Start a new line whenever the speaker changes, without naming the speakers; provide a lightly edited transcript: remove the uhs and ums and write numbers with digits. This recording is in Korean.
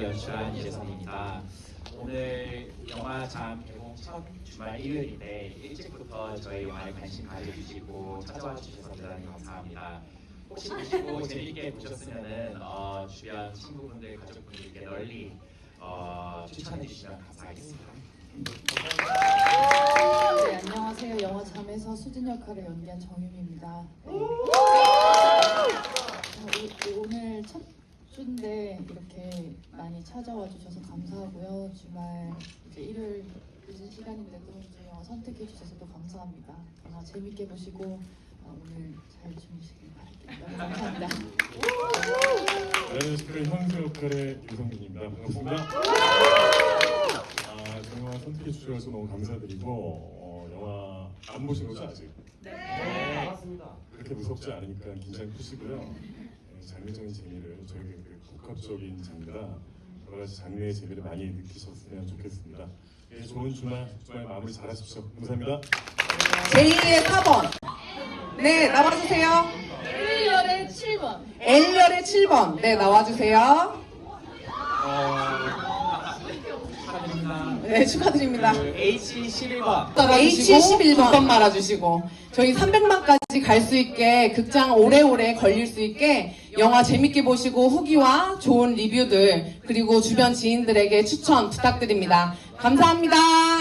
영화를 연출한 이재성입니다. 오늘 영화 잠 개봉 첫 주말 일요일인데 일찍부터 저희 영화에 관심 가져주시고 찾아와 주셔서 대단히 감사합니다. 혹시 보시고 재밌게 보셨으면은 주변 친구분들, 가족분들께 널리 추천해 주시면 감사하겠습니다.
네, 안녕하세요. 영화 잠에서 수진 역할을 연기한 정윤입니다. 네. 오늘 첫 주인데 이렇게 많이 찾아와 주셔서 감사하고요. 주말 이제 일요일 늦은 시간인데도 저희 영화 선택해 주셔서 또 감사합니다. 영화 재밌게 보시고 오늘 잘 주무시길 바랄게요. 너무 감사합니다.
네, 스크린 형수 역할의 유성민입니다. 반갑습니다. 영화 선택해 주셔서 너무 감사드리고 영화 안 보신 거죠 아직?
네.
반갑습니다. 그렇게 무섭지 않으니까 긴장 푸시고요. 장르적인 재미를 저에게 복합적인 장르라 여러 가지 장르의 재미를 많이 느끼셨으면 좋겠습니다. 네, 좋은 주말 마무리 잘하십시오. 감사합니다.
제2의 4번. 네, 나와주세요.
일렬의 7번.
L열의 7번. 네, 나와주세요.
축하드립니다.
네, 축하드립니다.
H11번.
H11번 말아주시고 저희 300만까지 갈 수 있게 극장 오래오래 걸릴 수 있게 영화 재밌게 보시고 후기와 좋은 리뷰들 그리고 주변 지인들에게 추천 부탁드립니다. 감사합니다.